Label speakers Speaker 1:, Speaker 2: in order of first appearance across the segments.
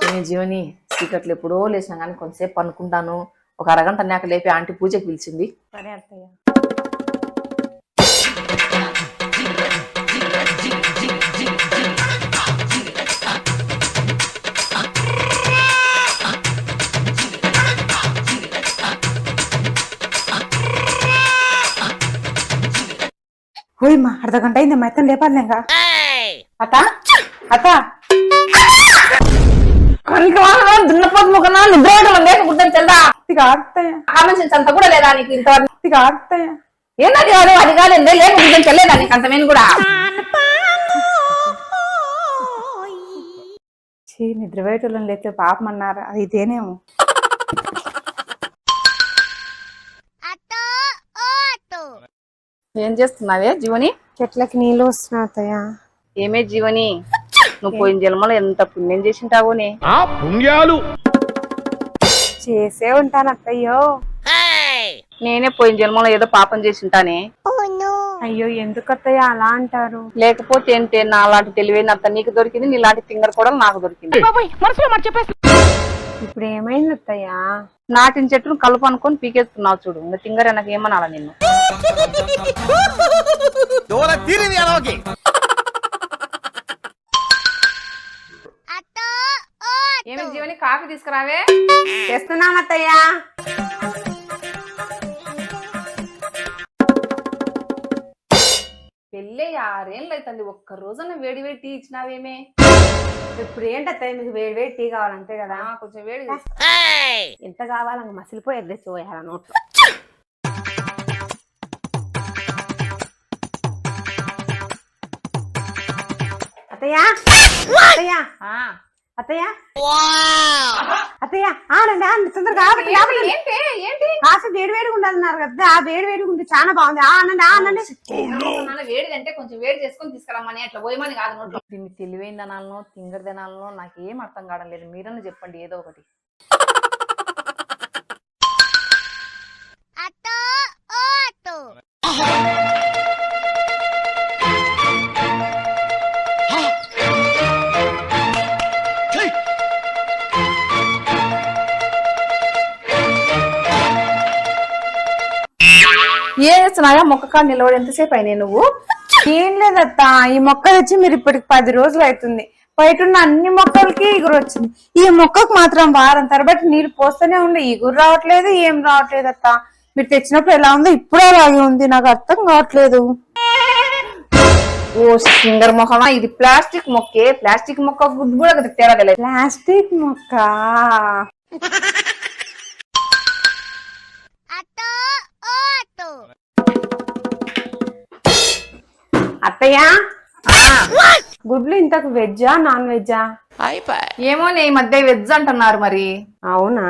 Speaker 1: ఏమి జీవని చీకట్లు ఎప్పుడో లేచినా కానీ కొంతసేపు పనుకుంటాను. ఒక అరగంట అన్నాక లేపి ఆంటీ పూజకి పిలిచింది.
Speaker 2: సరే అత్తయ్య.
Speaker 3: ఓయమ్మా అర్ధగంట అయింది మెత్తం లేపాలిగా.
Speaker 1: అత్త అత్త దున్నపోతు ముఖనా నిద్ర లేకుంటాను తెల్దా? అంత కూడా లేదా నీకు ఇంతవరకు? ఏంటది కాదు అది కాదండి లేకుంటాను తెల్లేదా నీకు అంతమేను కూడా?
Speaker 3: నిద్రపోయేటోళ్ళని లేకపోతే పాపం అన్నారు, అది ఇదేనేమో.
Speaker 1: ఏం చేస్తున్నావే జీవని?
Speaker 3: చెట్లకి నీళ్ళు వస్తున్నా అత్తయ్య.
Speaker 1: ఏమే జీవని, నువ్వు పోయిన జన్మలో ఎంత పుణ్యం చేసింటావునే.
Speaker 4: పుణ్యాలు
Speaker 3: చేసే ఉంటాను అత్తయ్యో.
Speaker 1: నేనే పోయిన జన్మలో ఏదో పాపం చేసింటానే.
Speaker 3: అయ్యో ఎందుకు అత్తయ్య అలా అంటారు?
Speaker 1: లేకపోతే ఏంటే, నా అలాంటి తెలివైన అత్త నీకు దొరికింది, నీలాంటి తింగర్ కూడా నాకు దొరికింది.
Speaker 3: ఇప్పుడు ఏమైంది అత్తయ్య?
Speaker 1: నాటిన చెట్టును కలుపు అనుకొని పీకేస్తున్నావు చూడు. ఇంకా తింగర్ నాకు ఏమనాలా నిన్ను? ఏమి జీవని కాఫీ తీసుకురావే.
Speaker 3: చేస్తున్నాను అత్తయ్య.
Speaker 1: పెళ్ళి 6 ఏళ్ళు అవుతుంది, ఒక్క రోజున వేడి వేడి టీ ఇచ్చినావేమే?
Speaker 3: ఇప్పుడు ఏంటి అత్తయ్య మీకు వేడి వేడి టీ కావాలంతే కదా?
Speaker 1: కొంచెం వేడి
Speaker 3: ఎంత కావాలంగా మసిలిపోయి ఎగ్గేసిపోయాల నోట్లో. అత్తయ్య అత్తయ్య అత్తయ్య అత్తయ్య ఆనండి ఆనండి తొందరగా కాస్త వేడి వేడిగా ఉండాలన్నారు కదా, ఆ వేడి వేడిగా ఉంది, చాలా బాగుంది. ఆనండి ఆనండి.
Speaker 1: వేడిది అంటే కొంచెం వేడి చేసుకొని తీసుకురామని, అట్లా పోయమని కాదు నోట్లో. దీన్ని తెలివైన దనాలను తింగర్ దనాలను నాకేం అర్థం కావడం లేదు. మీరన్నా చెప్పండి ఏదో ఒకటి. ఏం చేస్తున్నాయా మొక్క కాడ నిలబడి? ఎంతసేపు అయినాయి నువ్వు?
Speaker 3: ఏం లేదత్త, ఈ మొక్క తెచ్చి మీరు ఇప్పటికి 10 రోజులు అవుతుంది. బయట ఉన్న అన్ని మొక్కలకి ఇగురు వచ్చింది, ఈ మొక్కకు మాత్రం వారం తరబట్టి నీళ్లు పోస్తూనే ఉండే, ఇగురు రావట్లేదు, ఏం రావట్లేదు అత్త. మీరు తెచ్చినప్పుడు ఎలా ఉందో ఇప్పుడు అలాగే ఉంది, నాకు అర్థం కావట్లేదు.
Speaker 1: ఓ సింగర్ మొహమా, ఇది ప్లాస్టిక్ మొక్కే. ప్లాస్టిక్ మొక్క గుడ్డు కూడా తేడా.
Speaker 3: ప్లాస్టిక్ మొక్క అత్తయ్య. గుడ్లు ఇంతకు వెజ్జా నాన్ వెజ్జా?
Speaker 1: ఏమో ఈ మధ్య వెజ్ అంటున్నారు మరి.
Speaker 3: అవునా?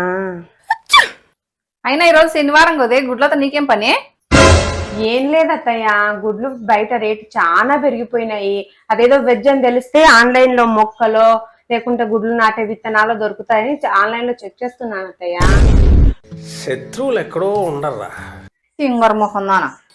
Speaker 1: అయినా ఈరోజు శనివారం కదే, గుడ్లతో నీకేం పని?
Speaker 3: ఏం లేదత్తయ్య, గుడ్లు బయట రేటు చాలా పెరిగిపోయినాయి. అదేదో వెజ్ అని తెలిస్తే ఆన్లైన్ లో మొక్కలో లేకుంటే గుడ్లు నాటే విత్తనాలు దొరుకుతాయని ఆన్లైన్ లో చెక్ చేస్తున్నాను అత్తయ్య.
Speaker 4: శత్రువులు ఎక్కడో ఉండరా
Speaker 1: సింగర్ మొహం నానా.